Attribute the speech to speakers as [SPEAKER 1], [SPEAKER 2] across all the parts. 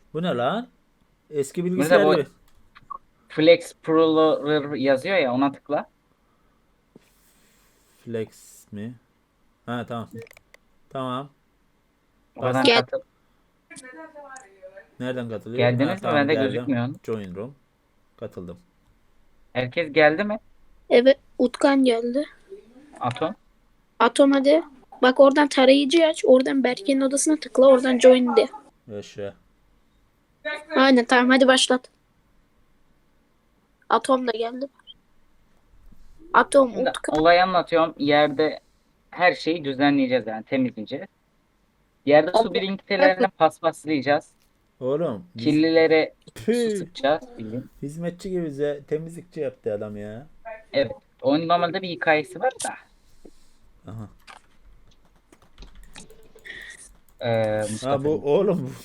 [SPEAKER 1] Bu ne lan? Eski
[SPEAKER 2] Burada
[SPEAKER 1] bilgisayar
[SPEAKER 2] bu
[SPEAKER 1] gibi.
[SPEAKER 2] Flex Pro yazıyor ya, ona tıkla.
[SPEAKER 1] Flex mi? Ha tamam. Tamam.
[SPEAKER 2] Oradan
[SPEAKER 1] Bastım.
[SPEAKER 3] Gel.
[SPEAKER 2] katıl.
[SPEAKER 1] Nereden katılıyor? Ha
[SPEAKER 2] Geldiniz mi?
[SPEAKER 1] tamam
[SPEAKER 2] Bende
[SPEAKER 1] geldim.
[SPEAKER 2] gözükmüyor.
[SPEAKER 1] Join room. Katıldım.
[SPEAKER 2] Herkes geldi mi?
[SPEAKER 3] Evet, Utkan geldi.
[SPEAKER 2] Atom.
[SPEAKER 3] Atom hadi. Bak oradan tarayıcı aç. Oradan Berke'nin odasına tıkla. Oradan join de.
[SPEAKER 1] Yaşa.
[SPEAKER 3] Aynen tamam hadi başlat. Atom da geldi. Atom,
[SPEAKER 2] Şimdi
[SPEAKER 3] Utkan.
[SPEAKER 2] olayı anlatıyorum. Yerde her şeyi düzenleyeceğiz, yani temizleyeceğiz. Yerde su birikintilerini paspaslayacağız.
[SPEAKER 1] Oğlum biz
[SPEAKER 2] Kirlilere su
[SPEAKER 1] püh,
[SPEAKER 2] sıkacağız. Bildiğin.
[SPEAKER 1] hizmetçi gibi bize temizlikçi yaptı adam ya.
[SPEAKER 2] Evet. Oyun normalde bir hikayesi var da.
[SPEAKER 1] Aha. Ha bu
[SPEAKER 2] Mustafa'nın.
[SPEAKER 1] oğlum bu.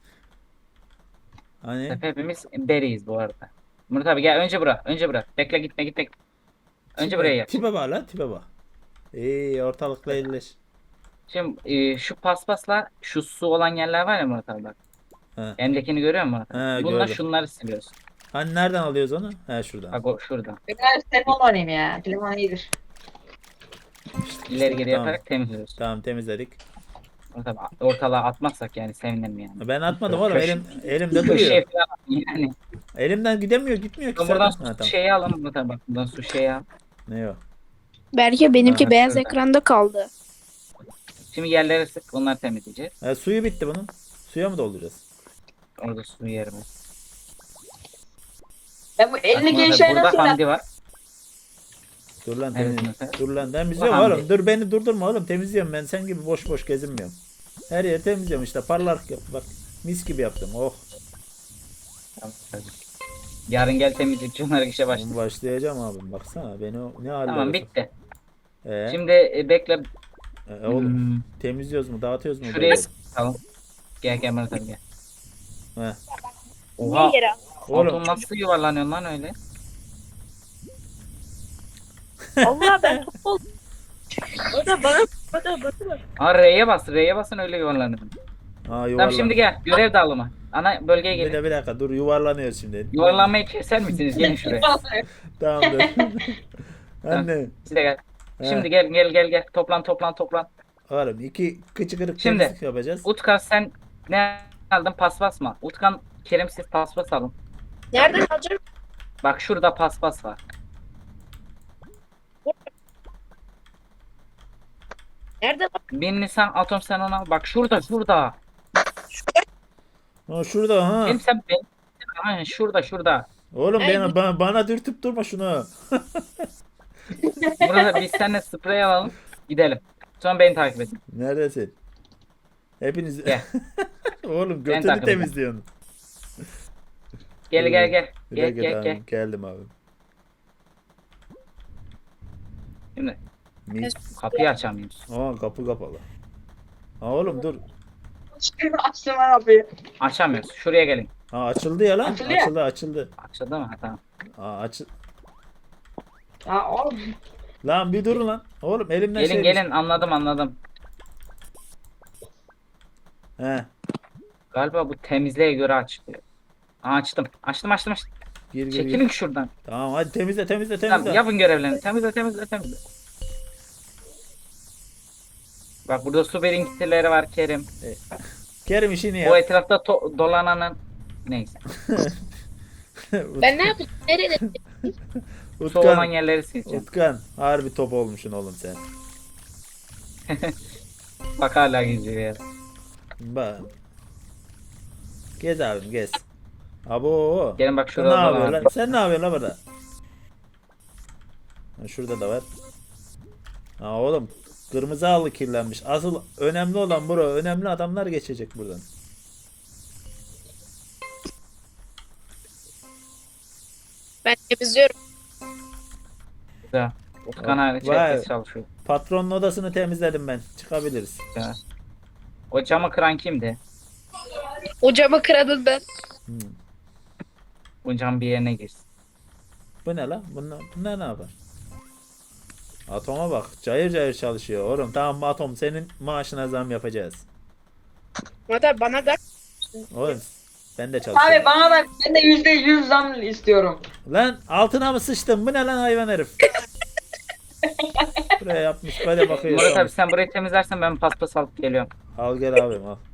[SPEAKER 1] Hani
[SPEAKER 2] Hepimiz beriyiz bu arada. Murat abi gel, önce bırak. Önce bırak. Bekle, gitme gitme. Önce
[SPEAKER 1] tipe
[SPEAKER 2] buraya yap.
[SPEAKER 1] tipe bak lan tipe bak. İyi ortalıkla elleş.
[SPEAKER 2] Şimdi şu paspasla şu su olan yerler var ya Murat abi, bak.
[SPEAKER 1] Ha.
[SPEAKER 2] Elimdekini görüyor musun Murat abi?
[SPEAKER 1] Ha
[SPEAKER 2] Bununla
[SPEAKER 1] gördüm.
[SPEAKER 2] şunları siliyorsun.
[SPEAKER 1] Hani nereden alıyoruz onu? Ha şuradan.
[SPEAKER 2] Bak o şuradan.
[SPEAKER 4] Ben telefon oynayayım ya. Telefon iyidir.
[SPEAKER 2] İleri geri
[SPEAKER 1] Tamam.
[SPEAKER 2] yaparak temizliyorsun.
[SPEAKER 1] Tamam temizledik.
[SPEAKER 2] Murat abi ortalığa atmazsak yani sevinirim yani.
[SPEAKER 1] Ben atmadım
[SPEAKER 2] Şöyle
[SPEAKER 1] oğlum elimde duruyor.
[SPEAKER 2] köşeye falan yani.
[SPEAKER 1] Elimden gitmiyor ki
[SPEAKER 2] Ben buradan
[SPEAKER 1] zaten. Ha
[SPEAKER 2] su
[SPEAKER 1] tamam.
[SPEAKER 2] şeyi alalım Murat abi, bak. Buradan su şeyi al.
[SPEAKER 1] Ne o?
[SPEAKER 3] Berke benimki
[SPEAKER 2] Aha,
[SPEAKER 3] beyaz
[SPEAKER 2] şurada.
[SPEAKER 3] ekranda kaldı.
[SPEAKER 2] Şimdi yerlere sık, onları temizleyeceğiz.
[SPEAKER 1] Suyu bitti bunun. Suya mı dolduracağız?
[SPEAKER 2] Orada su yerimiz.
[SPEAKER 4] Ben bu
[SPEAKER 2] Bak
[SPEAKER 4] 50
[SPEAKER 2] Murat abi,
[SPEAKER 4] gençler nasıl
[SPEAKER 2] burada Hamdi var.
[SPEAKER 1] Dur lan
[SPEAKER 2] Evet
[SPEAKER 1] temiz.
[SPEAKER 2] Murat abi.
[SPEAKER 1] Dur lan
[SPEAKER 2] Bu
[SPEAKER 1] temizliyorum
[SPEAKER 2] Hamdi.
[SPEAKER 1] oğlum. Dur beni durdurma oğlum. Temizliyorum ben. Sen gibi boş boş gezinmiyorum. Her yeri temizliyorum işte. Parlak yap. Bak mis gibi yaptım. Oh.
[SPEAKER 2] Tamam, tabii. Yarın gel temizlikçi olarak işe başla.
[SPEAKER 1] Başlayacağım abim. Baksana beni ne hallere
[SPEAKER 2] Tamam,
[SPEAKER 1] sok.
[SPEAKER 2] bitti.
[SPEAKER 1] Ee,
[SPEAKER 2] Şimdi bekle.
[SPEAKER 1] oğlum
[SPEAKER 2] Hmm,
[SPEAKER 1] temizliyoruz mu? Dağıtıyoruz mu
[SPEAKER 2] şuraya
[SPEAKER 1] böyle?
[SPEAKER 2] sıkalım. Gel gel Murat abi gel.
[SPEAKER 1] He.
[SPEAKER 2] Oha.
[SPEAKER 3] Niye yere al?
[SPEAKER 1] Oğlum
[SPEAKER 2] Atom nasıl yuvarlanıyor lan öyle?
[SPEAKER 3] Allah ben top oldum. O da bana.
[SPEAKER 2] Aa, R'ye bas. R'ye basın, öyle yuvarlanıyor.
[SPEAKER 1] ha
[SPEAKER 2] Tamam, şimdi
[SPEAKER 1] yuvarlan.
[SPEAKER 2] gel. Görev dağılımı. Ana bölgeye gelin.
[SPEAKER 1] Bir dakika dur yuvarlanıyoruz şimdi.
[SPEAKER 2] Yuvarlanmayı keser misiniz? Gelin şuraya.
[SPEAKER 1] Tamam dur.
[SPEAKER 2] Tamam.
[SPEAKER 1] Anne.
[SPEAKER 2] Siz de gel.
[SPEAKER 1] He.
[SPEAKER 2] Şimdi gel. Toplan.
[SPEAKER 1] Oğlum iki kıçı kırık
[SPEAKER 2] Şimdi
[SPEAKER 1] temizlik yapacağız.
[SPEAKER 2] Utkan sen ne aldın? Paspas mı? Utkan, Kerem siz paspas alın.
[SPEAKER 3] Nereden alacağım?
[SPEAKER 2] Bak şurada paspas var.
[SPEAKER 3] Nereden al?
[SPEAKER 2] Birini sen, Atom sen onu al. Bak şurada.
[SPEAKER 1] Ha şurada ha.
[SPEAKER 2] Benim sen ben. Aynen şurada.
[SPEAKER 1] Oğlum
[SPEAKER 3] Hey,
[SPEAKER 1] bana dürtüp durma şunu.
[SPEAKER 2] Burada biz seninle sprey alalım. Gidelim. Sonra beni takip edin.
[SPEAKER 1] Neredesin? Hepiniz
[SPEAKER 2] Gel.
[SPEAKER 1] oğlum
[SPEAKER 2] Beni
[SPEAKER 1] götünü
[SPEAKER 2] takip edin.
[SPEAKER 1] temizliyorsun.
[SPEAKER 2] Gel
[SPEAKER 1] Dur,
[SPEAKER 2] gel gel.
[SPEAKER 1] Bir
[SPEAKER 2] Gel
[SPEAKER 1] dakika
[SPEAKER 2] gel
[SPEAKER 1] tamam
[SPEAKER 2] gel.
[SPEAKER 1] geldim abi.
[SPEAKER 2] Şimdi
[SPEAKER 1] Mi?
[SPEAKER 2] kapıyı açamıyoruz.
[SPEAKER 1] Aa kapı kapalı. Ha oğlum dur.
[SPEAKER 4] Açtım ben kapıyı.
[SPEAKER 2] Açamıyoruz. Şuraya gelin.
[SPEAKER 1] Ha açıldı ya lan.
[SPEAKER 4] Açıldı ya.
[SPEAKER 1] Açıldı.
[SPEAKER 2] Açıldı mı? Ha, tamam.
[SPEAKER 1] Aa
[SPEAKER 4] Ya oğlum.
[SPEAKER 1] Lan bir durun lan. Oğlum elimden şey
[SPEAKER 2] Gelin anladım.
[SPEAKER 1] He
[SPEAKER 2] Galiba bu temizliğe göre açılıyor. Aa, açtım.
[SPEAKER 1] gir.
[SPEAKER 2] Çekilin şuradan.
[SPEAKER 1] Tamam hadi temizle.
[SPEAKER 2] Tamam, yapın görevlerini. Temizle. Bak burada su birikintileri var Kerim.
[SPEAKER 1] Kerim işini
[SPEAKER 2] O
[SPEAKER 1] yap.
[SPEAKER 2] etrafta dolananın neyse.
[SPEAKER 3] Ben ne yapayım? Nerede?
[SPEAKER 2] Su olan
[SPEAKER 1] Utkan.
[SPEAKER 2] yerleri sileceğim.
[SPEAKER 1] Utkan. Harbi top olmuşsun oğlum sen.
[SPEAKER 2] Bak hala geziyor ya.
[SPEAKER 1] Bak. Gez abim gez. Abo.
[SPEAKER 2] Gelin bak
[SPEAKER 1] Sen
[SPEAKER 2] şurada
[SPEAKER 1] ne yapıyorsun
[SPEAKER 2] dolanan.
[SPEAKER 1] lan? Sen ne yapıyorsun lan burada? Ha, şurada da var. Ha oğlum. Kırmızı halı kirlenmiş. Asıl önemli olan bura. Önemli adamlar geçecek buradan.
[SPEAKER 3] Ben temizliyorum.
[SPEAKER 2] Güzel. Utkan hariç
[SPEAKER 1] Vay.
[SPEAKER 2] herkes çalışıyor.
[SPEAKER 1] Patronun odasını temizledim ben. Çıkabiliriz.
[SPEAKER 2] Ya. O camı kıran kimdi?
[SPEAKER 3] O camı kıradın ben.
[SPEAKER 1] Hmm.
[SPEAKER 2] Bu cam bir yerine girsin.
[SPEAKER 1] Bu ne lan? Bunlar ne yapar? Atoma bak. Cayır cayır çalışıyor. Oğlum tamam Atom senin maaşına zam yapacağız.
[SPEAKER 3] Hatta bana da
[SPEAKER 1] Oğlum Ben de çalışıyorum.
[SPEAKER 4] Abi bana da ben de %100 zam istiyorum.
[SPEAKER 1] Lan altına mı sıçtın? Bu ne lan hayvan herif? Buraya yapmış böyle bakıyor.
[SPEAKER 2] Murat abi sen burayı temizlersen ben paspas alıp geliyorum.
[SPEAKER 1] Al gel abim al.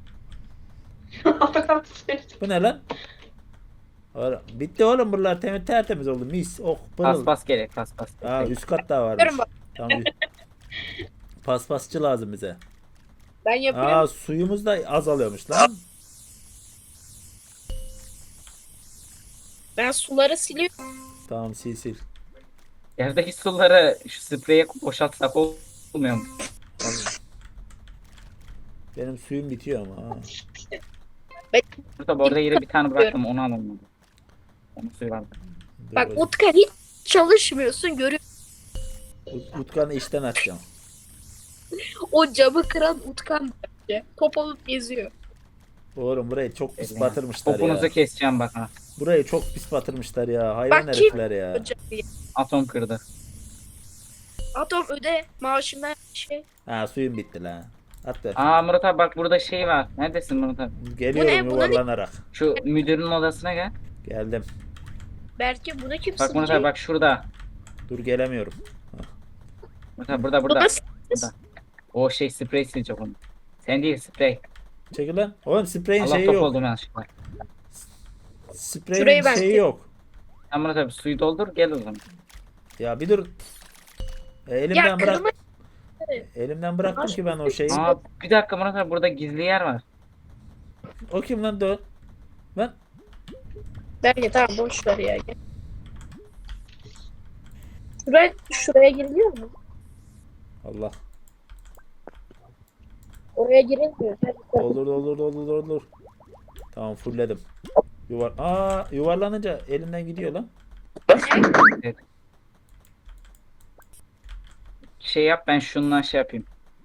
[SPEAKER 1] Bu ne lan? Bitti oğlum buralar tertemiz oldu. Mis. Oh pırıl.
[SPEAKER 2] Paspas gerek paspas.
[SPEAKER 1] Aa üst kat daha varmış.
[SPEAKER 3] Görün bak.
[SPEAKER 1] Tamam. Paspasçı lazım bize.
[SPEAKER 3] Ben yapıyorum.
[SPEAKER 1] Aa suyumuz da azalıyormuş lan.
[SPEAKER 3] Ben suları siliyorum.
[SPEAKER 1] Tamam sil sil.
[SPEAKER 2] Yerdeki suları şu spreye boşaltsak olmuyor mu?
[SPEAKER 1] Benim suyum bitiyor ama. Ha.
[SPEAKER 2] Murat abi orada yere bir tane bıraktım onu alın. Onun suyu vardı.
[SPEAKER 1] Dur
[SPEAKER 3] Bak
[SPEAKER 1] bakayım.
[SPEAKER 3] Utkan hiç çalışmıyorsun. Görüyor.
[SPEAKER 1] Utkan'ı işten atacağım.
[SPEAKER 3] O camı kıran Utkan bence. Top olup geziyor.
[SPEAKER 1] Oğlum burayı çok pis batırmışlar
[SPEAKER 2] Topunuzu
[SPEAKER 1] ya.
[SPEAKER 2] keseceğim bak ha.
[SPEAKER 1] Burayı çok pis batırmışlar ya. Hayvan
[SPEAKER 3] Bak kim-
[SPEAKER 1] herifler ya.
[SPEAKER 3] O camı.
[SPEAKER 2] Atom kırdı.
[SPEAKER 3] Atom öde maaşından şey.
[SPEAKER 1] Ha suyum bitti lan. At ver.
[SPEAKER 2] Aa Murat abi bak burada şey var. Neredesin Murat abi?
[SPEAKER 1] Geliyorum
[SPEAKER 3] Bu ne?
[SPEAKER 1] yuvarlanarak.
[SPEAKER 2] Şu müdürün odasına gel.
[SPEAKER 1] Geldim.
[SPEAKER 3] Belki buna kim
[SPEAKER 2] Bak Murat abi
[SPEAKER 3] sıkacak?
[SPEAKER 2] bak şurada.
[SPEAKER 1] Dur gelemiyorum.
[SPEAKER 2] Murat abi burada
[SPEAKER 3] Bu
[SPEAKER 2] burada.
[SPEAKER 3] nasıl?
[SPEAKER 2] Burada. O şey sprey silecek onu. Sen değil sprey.
[SPEAKER 1] Çekil lan. Oğlum spreyin
[SPEAKER 2] Allah
[SPEAKER 1] şeyi
[SPEAKER 2] top
[SPEAKER 1] yok.
[SPEAKER 2] oldum yanlışlıkla.
[SPEAKER 1] Spreyin
[SPEAKER 3] Şurayı ben-
[SPEAKER 1] şeyi yok.
[SPEAKER 2] Sen Murat abi suyu doldur gel o zaman.
[SPEAKER 1] Ya bir dur.
[SPEAKER 3] Ya
[SPEAKER 1] Elimden bırak.
[SPEAKER 3] kırmızı.
[SPEAKER 1] Elimden bıraktım ki ben o şeyi.
[SPEAKER 2] Aa bir dakika Murat abi burada gizli yer var.
[SPEAKER 1] O kim lan dur. Lan.
[SPEAKER 3] Belki tamam boş ver ya. Gel. Şuraya giriliyor mu?
[SPEAKER 1] Allah.
[SPEAKER 3] Oraya girilmiyor.
[SPEAKER 1] Olur. Tamam fullledim. Yuvarlanınca elimden gidiyor lan.
[SPEAKER 2] Şey yap ben şundan şey yapayım.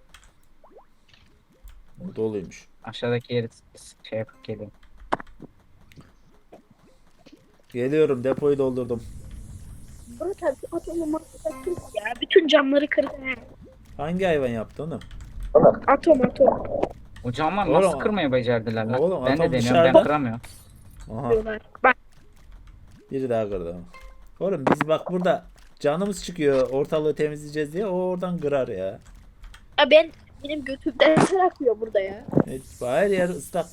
[SPEAKER 1] Bu doluymuş.
[SPEAKER 2] Aşağıdaki yeri şey yapıp geliyorum.
[SPEAKER 1] Geliyorum depoyu doldurdum.
[SPEAKER 3] Murat abi atomu mahvettin ya. Bütün camları kırdı.
[SPEAKER 1] Hangi hayvan yaptı onu?
[SPEAKER 3] Atom.
[SPEAKER 2] O camlar
[SPEAKER 1] Oğlum,
[SPEAKER 2] nasıl kırmayı becerdiler lan?
[SPEAKER 1] oğlum,
[SPEAKER 2] Ben de
[SPEAKER 1] atom
[SPEAKER 2] deniyorum ben
[SPEAKER 1] dışarıda.
[SPEAKER 2] kıramıyorum.
[SPEAKER 1] Aha
[SPEAKER 3] diyorlar. Bak
[SPEAKER 1] biri daha kırdı. Oğlum biz bak burada canımız çıkıyor ortalığı temizleyeceğiz diye o oradan kırar ya.
[SPEAKER 3] benim götümden ter akıyor burada ya.
[SPEAKER 1] Evet, her yer ıslak.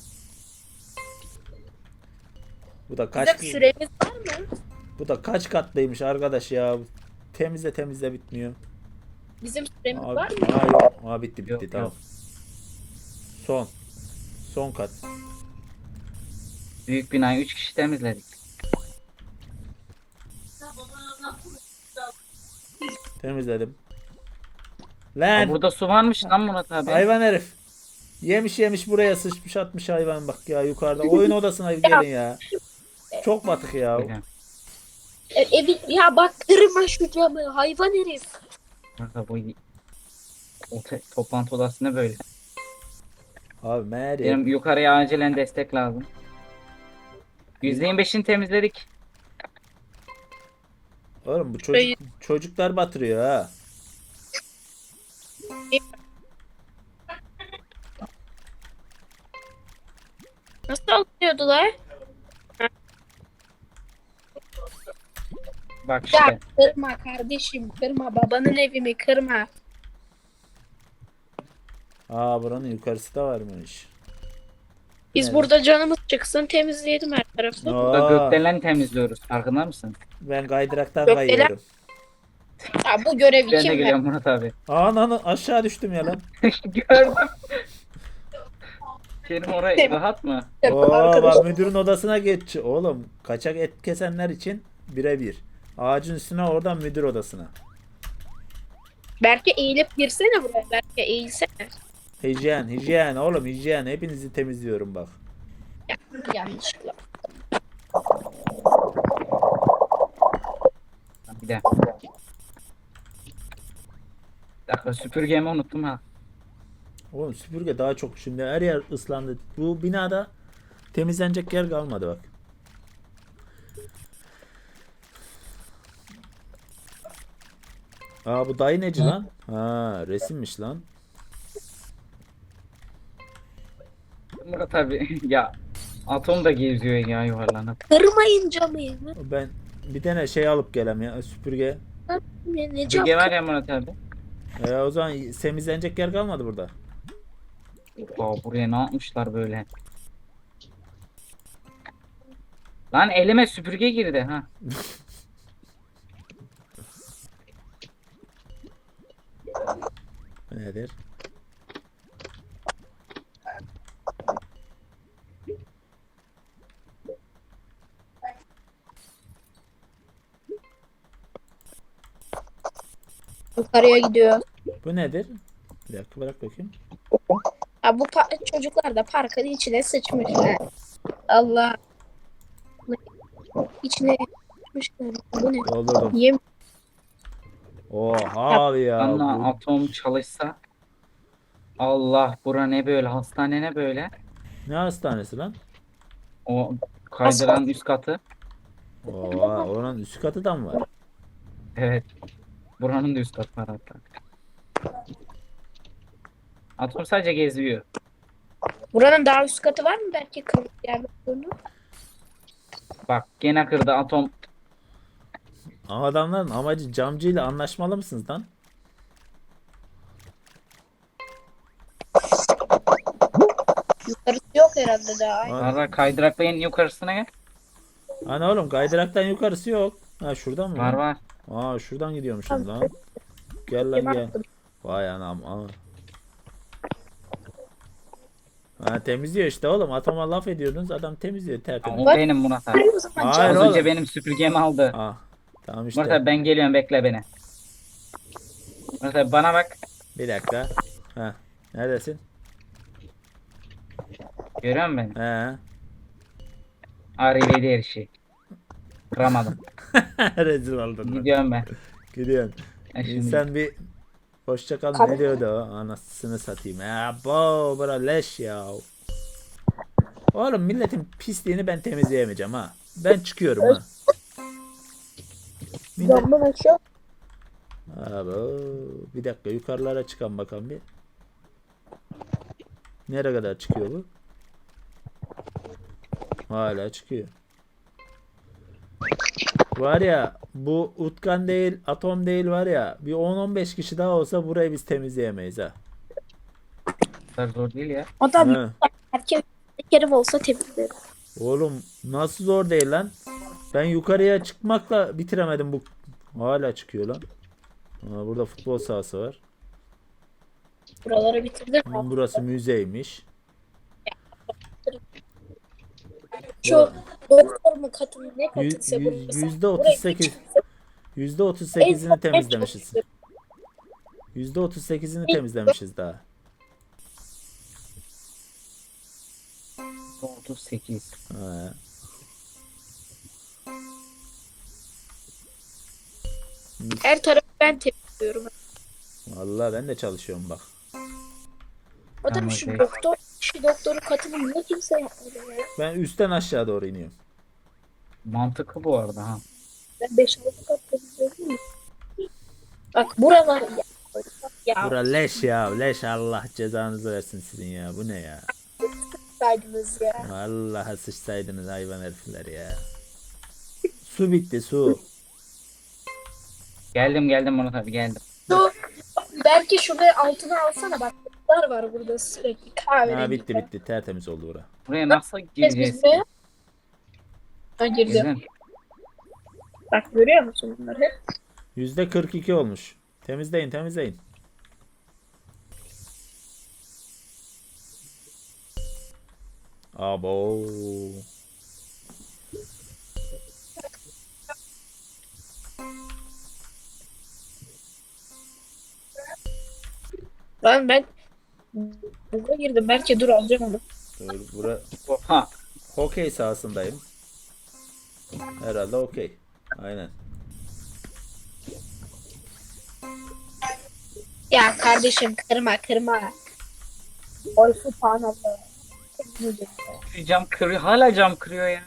[SPEAKER 1] Bu da kaç
[SPEAKER 3] Bizim süremiz var mı?
[SPEAKER 1] bu da kaç katlıymış arkadaş ya. Temizle bitmiyor.
[SPEAKER 3] Bizim süremiz
[SPEAKER 1] Abi,
[SPEAKER 3] var mı?
[SPEAKER 1] yok. Bitti
[SPEAKER 2] Yok,
[SPEAKER 1] tamam. Son kat.
[SPEAKER 2] Büyük binayı 3 kişi temizledik.
[SPEAKER 1] Temizledim.
[SPEAKER 2] Aa,
[SPEAKER 1] Lan
[SPEAKER 2] burada su varmış lan Murat abi.
[SPEAKER 1] hayvan herif. Yemiş buraya sıçmış atmış hayvan bak ya yukarıda. Oyun odasına gelin ya. Çok batık ya.
[SPEAKER 2] Öyle.
[SPEAKER 3] Evi ya bak kırma şu camı hayvan herif.
[SPEAKER 2] Murat abi toplantı odası ne böyle?
[SPEAKER 1] Abi meğer ya.
[SPEAKER 2] Benim yukarıya acilen destek lazım. %25'ini temizledik.
[SPEAKER 1] Oğlum bu çocuklar batırıyor ha.
[SPEAKER 3] Nasıl alıyordular?
[SPEAKER 2] Bak işte.
[SPEAKER 3] Ya kırma kardeşim kırma babanın evimi kırma.
[SPEAKER 1] Buranın yukarısı da varmış.
[SPEAKER 3] Biz
[SPEAKER 1] Evet.
[SPEAKER 3] burada canımız çıksın temizleyelim her tarafı.
[SPEAKER 2] Burada
[SPEAKER 1] Aa,
[SPEAKER 2] gökdelen temizliyoruz. Farkında mısın?
[SPEAKER 1] ben kaydıraktan
[SPEAKER 3] Gökdelen-
[SPEAKER 1] kayıyorum.
[SPEAKER 3] Ya bu görevi
[SPEAKER 2] Ben de
[SPEAKER 3] kim ver?
[SPEAKER 2] geliyorum Murat abi.
[SPEAKER 1] Ananı aşağı düştüm ya lan.
[SPEAKER 2] Gördüm. Kerim orayı rahat mı?
[SPEAKER 3] Arkadaş.
[SPEAKER 1] Bak müdürün odasına geç. Oğlum kaçak et kesenler için birebir. Ağacın üstüne oradan müdür odasına.
[SPEAKER 3] Belki eğilip girsene buraya. Belki eğilsene.
[SPEAKER 1] Hijyen oğlum hijyen. Hepinizi temizliyorum bak.
[SPEAKER 3] Yanlışlıkla.
[SPEAKER 2] Bir de. Bir dakika süpürgemi unuttum ha.
[SPEAKER 1] Oğlum süpürge daha çok şimdi her yer ıslandı. Bu binada temizlenecek yer kalmadı bak. Bu dayı neci lan? Resimmiş lan.
[SPEAKER 2] Murat abi ya Atom da geziyor ya yuvarlanıp.
[SPEAKER 3] Kırmayın camı.
[SPEAKER 1] Ben bir tane şey alıp gelem ya, süpürge.
[SPEAKER 3] Ne cam?
[SPEAKER 2] Süpürge var ya Murat abi.
[SPEAKER 1] O zaman temizlenecek yer kalmadı burada.
[SPEAKER 2] Aa, buraya ne yapmışlar böyle? Lan elime süpürge girdi ha.
[SPEAKER 1] Bu nedir?
[SPEAKER 3] Yukarıya gidiyor.
[SPEAKER 1] Bu nedir? Bir dakika bırak bakayım.
[SPEAKER 3] Ha, bu çocuklar da parkın içine sıçmış. Ha. Allah. İçine sıçmışlar. Bu ne?
[SPEAKER 1] Doldurdum.
[SPEAKER 3] Yem.
[SPEAKER 1] Oha abi ya.
[SPEAKER 2] Anla
[SPEAKER 1] Bu,
[SPEAKER 2] atom çalışsa. Allah bura ne böyle? Hastane ne böyle?
[SPEAKER 1] ne hastanesi lan?
[SPEAKER 2] O kaydıran üst katı.
[SPEAKER 1] Oha, onun üst katı da mı var?
[SPEAKER 2] Evet. Buranın da üst katı var hatta. Atom sadece geziyor.
[SPEAKER 3] Buranın daha üst katı var mı belki kırmızı yerde olduğunu?
[SPEAKER 2] Bak gene kırdı atom.
[SPEAKER 1] Ama adamların amacı camcıyla anlaşmalı mısınız lan?
[SPEAKER 3] Yukarısı yok herhalde daha.
[SPEAKER 2] Var kaydırakla en yukarısına gel.
[SPEAKER 1] Hani oğlum kaydıraktan yukarısı yok. Ha şuradan mı?
[SPEAKER 2] Var
[SPEAKER 1] lan?
[SPEAKER 2] var.
[SPEAKER 1] Aa şuradan gidiyormuşum lan. Gel lan gel. Vay anam. Aa. Ha temizliyor işte oğlum. Atoma laf ediyordunuz. Adam temizliyor tertemiz.
[SPEAKER 2] O benim Murat abi.
[SPEAKER 3] O zaman
[SPEAKER 1] Hayır
[SPEAKER 2] Az
[SPEAKER 1] oğlum.
[SPEAKER 2] önce benim süpürgemi aldı.
[SPEAKER 1] Ah tamam
[SPEAKER 2] Murat
[SPEAKER 1] işte.
[SPEAKER 2] abi ben geliyorum bekle beni. Murat abi bana bak.
[SPEAKER 1] Bir dakika. Ha. Neredesin?
[SPEAKER 2] Görüyor musun beni?
[SPEAKER 1] He.
[SPEAKER 2] Arrivederci her şey. Kıramadım.
[SPEAKER 1] Rezil oldun lan.
[SPEAKER 2] Gidiyorum ben.
[SPEAKER 1] Gidiyorsun.
[SPEAKER 2] Şimdi
[SPEAKER 1] İnsan bir hoşça kal ne diyordu o? Anasını satayım. Ya bo bura leş ya. Oğlum milletin pisliğini ben temizleyemeyeceğim ha. Ben çıkıyorum ha. Millet...
[SPEAKER 3] camdan aşağı.
[SPEAKER 1] Abo, bir dakika yukarılara çıkan bakalım bir. Nereye kadar çıkıyor bu? Hala çıkıyor. Var ya bu Utkan değil, Atom değil var ya. Bir 10-15 kişi daha olsa burayı biz temizleyemeyiz ha.
[SPEAKER 2] kadar zor değil ya.
[SPEAKER 3] Adam
[SPEAKER 1] He.
[SPEAKER 3] erkek tekerim olsa temizlerim.
[SPEAKER 1] Oğlum nasıl zor değil lan. Ben yukarıya çıkmakla bitiremedim bu. Hala çıkıyor lan. Aa, burada futbol sahası var.
[SPEAKER 3] Buraları bitirdim.
[SPEAKER 1] Burası müzeymiş.
[SPEAKER 3] Şu doktor mu katı ne katıysa
[SPEAKER 1] Yüz-
[SPEAKER 3] burası.
[SPEAKER 1] %38 %38'ini temizlemişiz. %38'ini temizlemişiz daha.
[SPEAKER 2] 38.
[SPEAKER 1] Ha.
[SPEAKER 3] Her tarafı ben temizliyorum.
[SPEAKER 1] Vallahi ben de çalışıyorum bak.
[SPEAKER 3] Adam
[SPEAKER 2] Ama
[SPEAKER 3] şu
[SPEAKER 2] şey-
[SPEAKER 3] doktoru katını niye kimse yapmadı ya?
[SPEAKER 1] Ben üstten aşağı doğru iniyorum.
[SPEAKER 2] Mantıklı bu arada ha.
[SPEAKER 3] Ben 5-6 kat temizledim mi? Bak buralar ya. Ya
[SPEAKER 1] Bura leş ya leş, Allah cezanızı versin sizin ya, bu ne ya.
[SPEAKER 3] saydınız ya.
[SPEAKER 1] Vallahi sıçsaydınız hayvan herifler ya. Su bitti su.
[SPEAKER 2] Geldim Murat abi geldim.
[SPEAKER 3] Şu, belki şurada altına alsana bak. Bunlar var burada sürekli kahverengi.
[SPEAKER 1] Ha bitti tertemiz oldu bura.
[SPEAKER 2] Buraya nasıl gireceğiz?
[SPEAKER 3] Bizde. Ha girdi.
[SPEAKER 2] Bizim.
[SPEAKER 3] Bak görüyor musun bunları hep?
[SPEAKER 1] %42 olmuş. Temizleyin. Abo.
[SPEAKER 3] Lan ben buraya girdim. Belki dur alacağım onu.
[SPEAKER 1] Dur, bura
[SPEAKER 2] Oha.
[SPEAKER 1] hokey sahasındayım. Herhalde okey. Aynen.
[SPEAKER 3] Ya kardeşim kırma. Oy subhanallah.
[SPEAKER 2] Şu cam kırıyor. Hala cam kırıyor ya.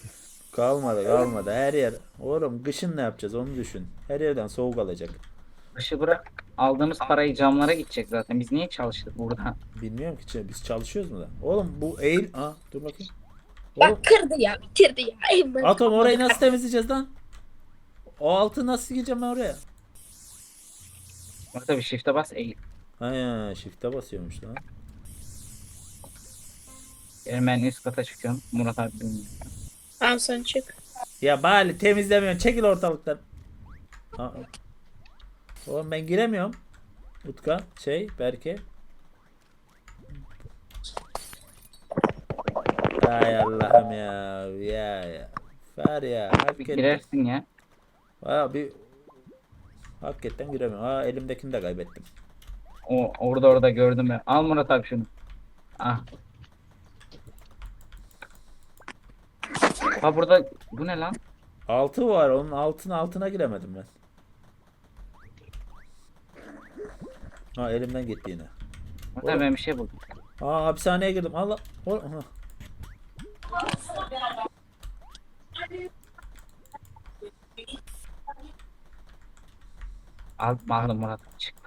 [SPEAKER 1] Kalmadı. Her yer. Oğlum kışın ne yapacağız onu düşün. Her yerden soğuk alacak.
[SPEAKER 2] Başı bırak. Aldığımız parayı camlara gidecek zaten. Biz niye çalıştık burada?
[SPEAKER 1] Bilmiyorum ki biz çalışıyoruz mu da? Oğlum bu eğil. Aa, dur bakayım. Oğlum
[SPEAKER 3] Bak kırdı ya, bitirdi ya. Eyvallah.
[SPEAKER 1] atom orayı nasıl temizleyeceğiz lan? O altı nasıl gireceğim ben oraya?
[SPEAKER 2] Orada bir shift'e bas eğil.
[SPEAKER 1] Ha ya, shift'e basıyormuş lan.
[SPEAKER 2] Ben üst kata çıkıyorum. Murat abi bilmiyor.
[SPEAKER 3] Tamam sen çık.
[SPEAKER 1] Ya bari temizlemiyorsun. Çekil ortalıktan. Aa. Oğlum ben giremiyorum. Utka, Berke. Ay Allah'ım ya. Ya. Var ya.
[SPEAKER 2] Bir
[SPEAKER 1] Hakikaten.
[SPEAKER 2] girersin ya.
[SPEAKER 1] Aa, hakikaten giremiyorum. Aa, elimdekini de kaybettim.
[SPEAKER 2] Orada gördüm ben. Al Murat abi şunu. Ah. Ha burada bu ne lan?
[SPEAKER 1] Altı var. Onun altına giremedim ben. Ha, elimden gitti yine.
[SPEAKER 2] Murat abi ben bir şey buldum.
[SPEAKER 1] Aa, hapishaneye girdim. Allah. Aha.
[SPEAKER 2] Aldım Murat abi çık.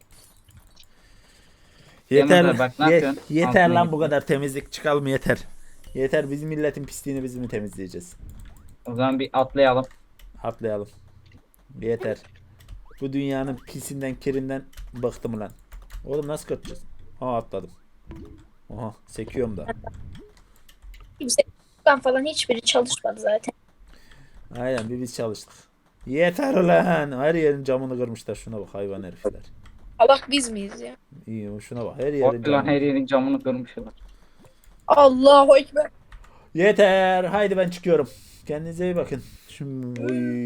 [SPEAKER 1] Yeter,
[SPEAKER 2] Yanımda bak, ne yapıyorsun?
[SPEAKER 1] yeter
[SPEAKER 2] Altına
[SPEAKER 1] lan
[SPEAKER 2] git.
[SPEAKER 1] bu kadar temizlik çıkalım yeter. Yeter, bizim milletin pisliğini biz mi temizleyeceğiz?
[SPEAKER 2] O zaman bir atlayalım.
[SPEAKER 1] Atlayalım. Yeter. Bu dünyanın pisinden kirinden bıktım lan. Oğlum nasıl kaçacağız? Aa, atladım. Aha, sekiyorum da.
[SPEAKER 3] Kimse falan hiçbiri çalışmadı zaten.
[SPEAKER 1] Aynen, biz çalıştık. Yeter lan. Her yerin camını kırmışlar. Şuna bak, hayvan herifler.
[SPEAKER 3] Allah biz miyiz ya?
[SPEAKER 1] İyi, şuna bak, her yerin
[SPEAKER 2] Orada lan
[SPEAKER 1] camını.
[SPEAKER 2] her yerin camını kırmışlar.
[SPEAKER 3] Allahu Ekber.
[SPEAKER 1] Yeter. Haydi ben çıkıyorum. Kendinize iyi bakın. Şimdi